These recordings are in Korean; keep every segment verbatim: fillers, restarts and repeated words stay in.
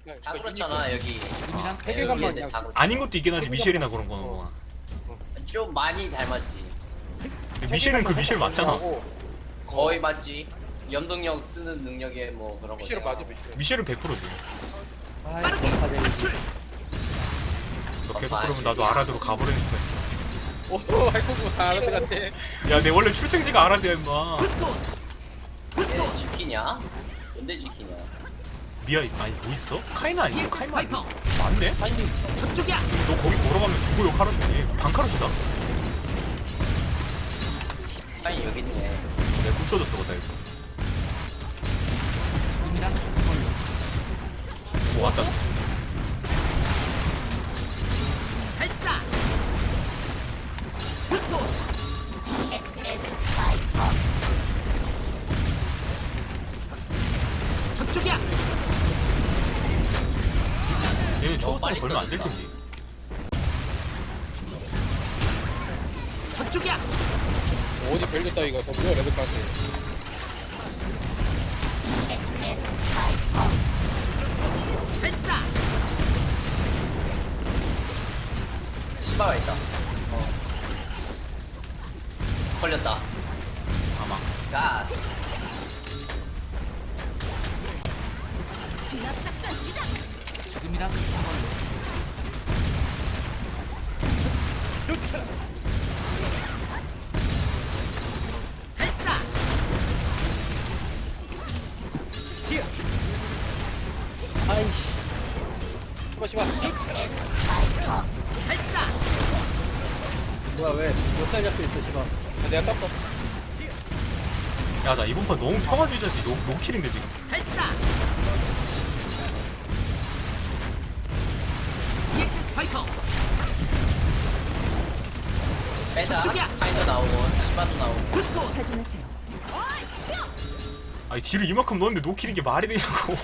다 그렇잖아 여기. 이랑 세계관만 여기 애들 다 그렇- 아닌 것도 있긴 하지. 미셸이나 그런 거는 뭐. 좀 많이 닮았지. 근데 미셸은 그 미셸 맞잖아. 거의 맞지. 염동력 쓰는 능력에 뭐 그런 거. 미셸은 맞아 미셸. 미셸은 백 퍼센트지. 아이 전파되는 너 계속 그러면 나도 아라드로 가버리는 수가 있어. 오 아이고 다 알아들 같아. 야, 내 원래 출생지가 아라드야, 임마. 얘 지키냐? 언제 지키냐? 미아, 아니, 뭐 있어? 카이나 아니야? 카이나 아니야? 맞네? 저쪽이야. 너 거기 걸어가면 죽어, 요 카로슈니. 반카로슈다. 아니 여기 있네. 내가 국 써줬어, 그다 이거. 이랑 뭐 왔다. 발사. 부스터. 저쪽이야. 얘는 어, 초보상 빨리 걸면 안 될 써줬다. 텐데. 저쪽이야. 어디 별렸다 이거. 더 뭐야 레벨까지. 발사. 시바가 있다. 어. 걸렸다. 아마. 가. 지금이랑 발사. 아이씨. 시바 시바. 발사. 뭐야 왜? 몇살 잡혀 있어 시바. 아, 내가 땄어. 야, 나 이번 판 너무 평화주의자지. 노, 노킬인데, 지금. 발사. 이엑스 스파이커. 빼자. 저쪽이야. 파이더 나오고 시바도 나오고. 부스터. 아니, 딜을 이만큼 넣었는데 노킬인 게 말이 되냐고.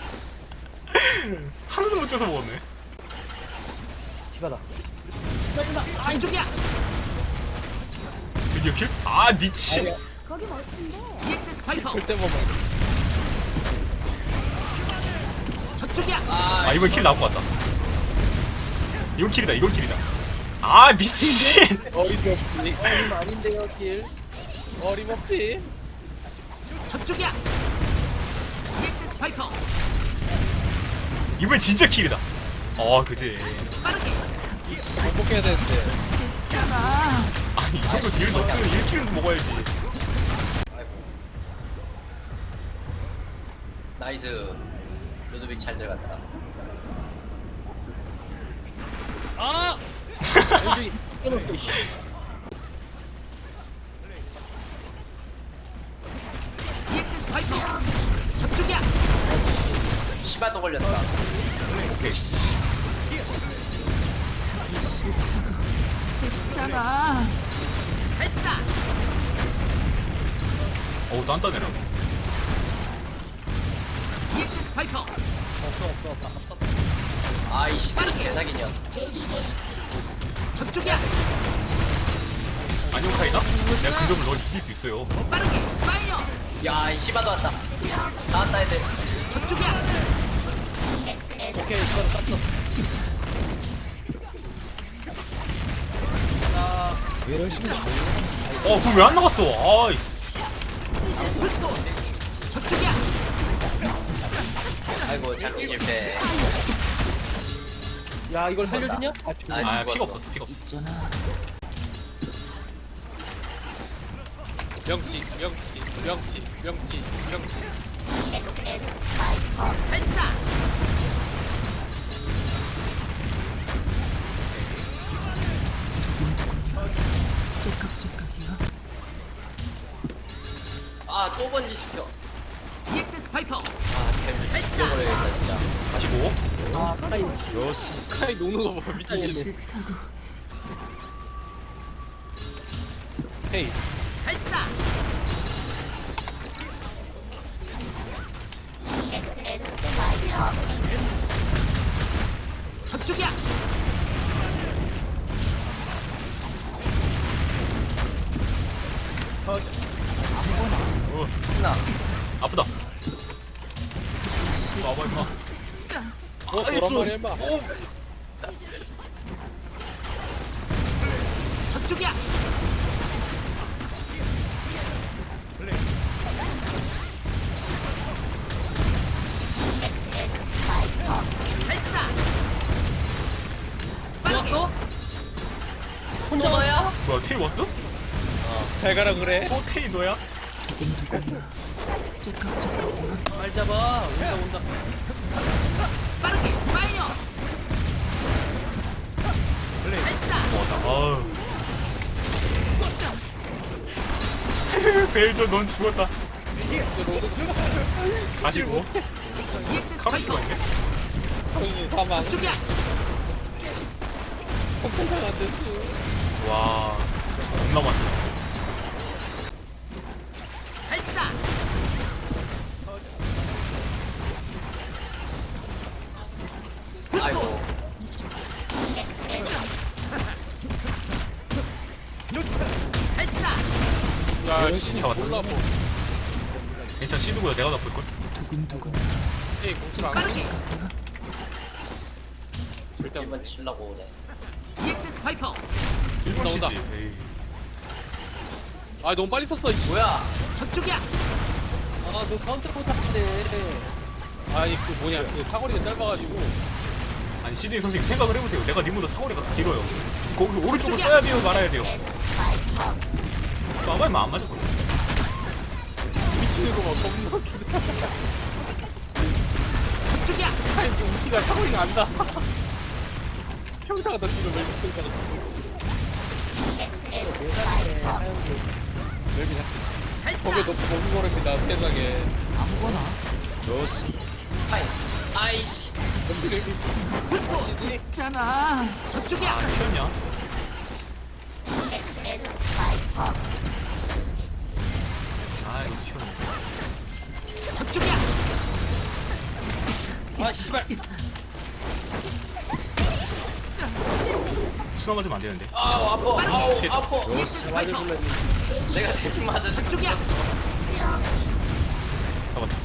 하나도 못 쪄서 먹었네. 시바다. 저쪽이야. 드디어 킬? 아, 미친. 이엑스 스파이커. 절대 못 먹어. 저쪽이야. 아, 이번 킬 나온 것 같다. 이건 킬이다, 이건 킬이다. 아, 미친. 어림없지. 어림 아닌데요 길. 어림없지. 저쪽이야. 이엑스 스파이커. 이번 진짜 킬이다. 어, 그지. 빠르게. 반복해야 되는데. 아니, 이 정도 딜 넣었으면 일 킬은 먹어야지. 아이고. 나이스. 루드빅 잘 들어갔다. 아! 왼쪽이 끊었어 씨. 이엑스 스파이커. 저쪽이야. 시바도 걸렸다. 오케이, 씨. 발사. 어우, 단단해라. 이엑스 스파이커. 아이 시바는 개사기냐. 저쪽이야. 안녕, 카이나? 내가 그 점을 넌 이길 수 있어요. 빠르게. 파이어. 야, 이 시바도 왔다. 나왔다 애들. 저쪽이야. 오케이 시바도 땄어. 어, 그럼 왜 안 나갔어? 아이. 부스터. 저쪽이야. 아이고 잡기 실패. 야 이걸 살려주냐? 아 아, 아, 죽었어. 피가 없었어, 피가 없었어. 명치 명치 명치 명치 명치. 발사. 아, 또 번지 시켜. 이엑스 스파이커. 아, 템을 죽여버려야겠다 진짜. 다시 뭐? 아 카이 여시 카이 노는 거 봐 미치겠네. 헤이 발사. 저쪽이야. 어, 신나. 아프다. 와봐, 임마. 너 도란 말이야 임마. 오. 저쪽이야. 발사. 빠르게. 왔어? 혼자 와야? 뭐야 테이 왔어? 잘 가라 그래. 어 테이 너야? 말 잡아. 온다 온다. 빠르게. 파이어. 발사. 맞아. 아우. 벨저 넌 죽었다. 가시고 이엑스에스 카로스가 파이퍼. 있네. 정신 사망. 저쪽이야. 폭탄상 안 됐어. 와 겁나 많다. 발사. 아이고. 발사. 야, 씨, 씨, 잡았다. 몰라 뭐. 괜찮아 시드보다 내가 더 볼걸? 에이, 공출 안 빠르게. 해. 절대 안 일번 치려고 오네. 이엑스에스 파이퍼. 일본 나온다. 치지. 에이. 아, 너무 빨리 썼어. 이씨. 뭐야? 저쪽이야. 아, 너 카운터 못하는데. 아니, 그 뭐냐, 그 사거리가 짧아가지고. 아니 시드 선생님 생각을 해보세요. 내가 님보다 사거리가 길어요. 거기서 오른쪽으로 써야 돼요, 말아야 돼요. 쏴봐야 안 맞을 거야. 미치는 거막 겁나 기다. 저쪽이야. 아니, 지금 우치가 사거리가 안 나. 평타가 더 지금 멜비 평타가 멜비 발사. 거기에 높고 먹는 거랍니다, 세상에. 파인. 아이씨. 시드니? 있잖아. 저쪽이야. 아 튀었냐? 아 이거 튀었네. 저쪽이야. 아, 씨발. 수나 맞으면 안 되는데. 아우 아파. 아우 아파. 이엑스에스 파이퍼. 내가 대신 맞아. 저쪽이야. 잡았다.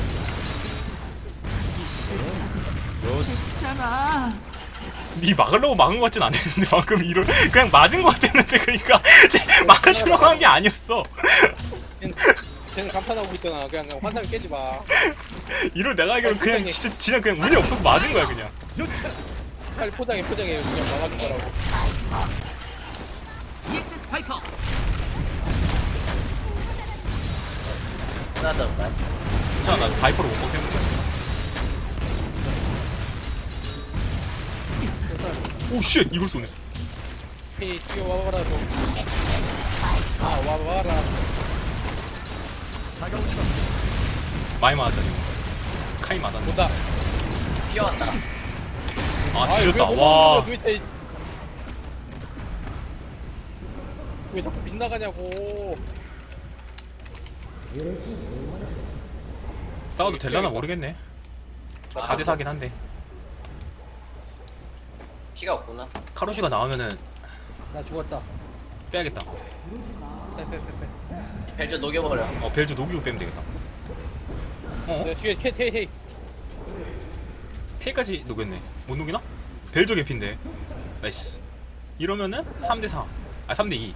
있잖아. 니 막으려고 막은 것 같진 않았는데 방금 이런 그냥 맞은 것 같았는데 그러니까 쟤 막아주려고 한 게 아니었어. 쟤는, 쟤는 감탄하고 있잖아. 그냥, 그냥 환상 깨지 마. 이걸 내가 알기로는 그냥 포장해. 진짜 진짜 그냥 운이 없어서 맞은 거야 그냥. 빨리 포장해, 포장해. 그냥 막아준 거라고. 이엑스에스 파이퍼. 나도. 괜찮아 나 바이퍼로 못 먹겠는데. 오쉣 이걸 쏘네. 헤이, 뛰어와봐라, 좀. 아, 와봐라. 많이 맞았다 지금. 카이 맞았네. 온다. 뛰어왔다. 아 뒤졌다. 왜 와. 못 왜, 왜 자꾸 빗나가냐고. 싸워도 될라나 모르겠네. 사 대 사긴 한데. 피가 없구나. 카로시가 나오면은 나 죽었다. 빼야겠다. 빼빼빼빼. 벨저 녹여버려. 어 벨저 녹이고 빼면 되겠다. 어? 네, 뒤에 캐, 캐, 헤이. K까지 녹였네. 못 녹이나? 벨저 개피인데. 나이스. 이러면은 삼 대 사. 아 삼 대 이.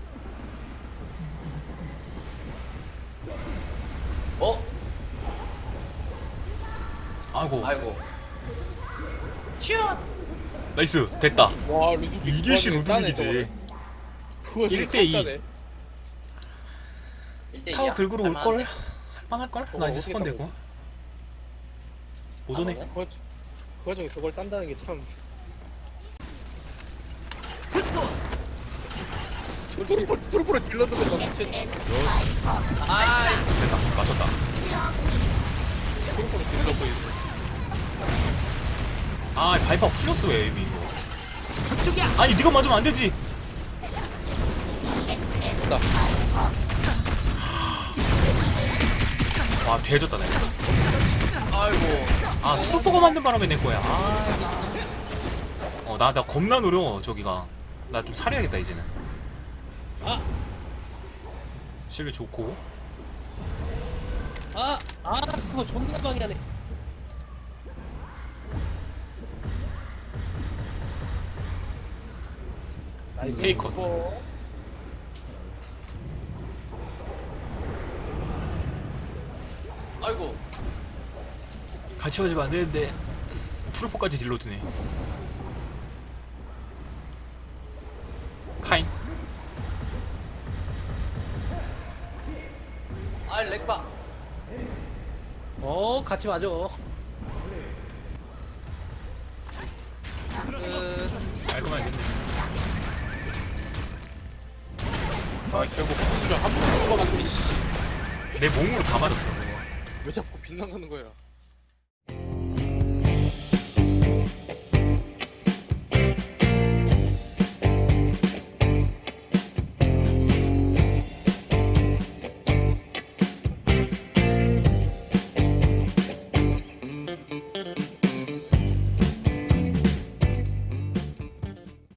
어? 아이고. 아이고. 튀어. 나이스. 됐다. 와, 루드빅. 이게 시 좋아하네, 루드빅이지. 그거 일 대 이. 깜짝이야. 일 대 이야. 타워 긁으러 올 걸. 할만할 걸? 나 어, 이제 어떻게 스폰 타고 되고. 못 오네. 그거, 그 와중에 그걸 딴다는 게 참. 부스톤. 트로포, 트로포를 딜러드면 나 미친. 아, 됐다. 맞췄다. 트로포를 딜러고 있어. 아 바이퍼 풀렸어 왜 이미. 저쪽이야. 아니 네가 맞으면 안 되지. 나. 와 대졌다 내가. 아이고. 아 트루퍼가 만든 바람에 내 거야. 아. 어나 나 겁나 노려 저기가. 나 좀 살해야겠다 이제는. 아! 실비 좋고. 아! 아! 그거 존나 방해하네. 나이스. 페이커. 어. 아이고. 같이 맞으면 안 되는데 트루퍼까지 딜로 드네. 카인. 아 렉바. 어 같이 맞아. 그... 깔끔하게 됐네. 아 결국 수저 한 번도 못 맞았니. 내 몸으로 다 맞았어. 그거. 왜 자꾸 빗나가는 거야?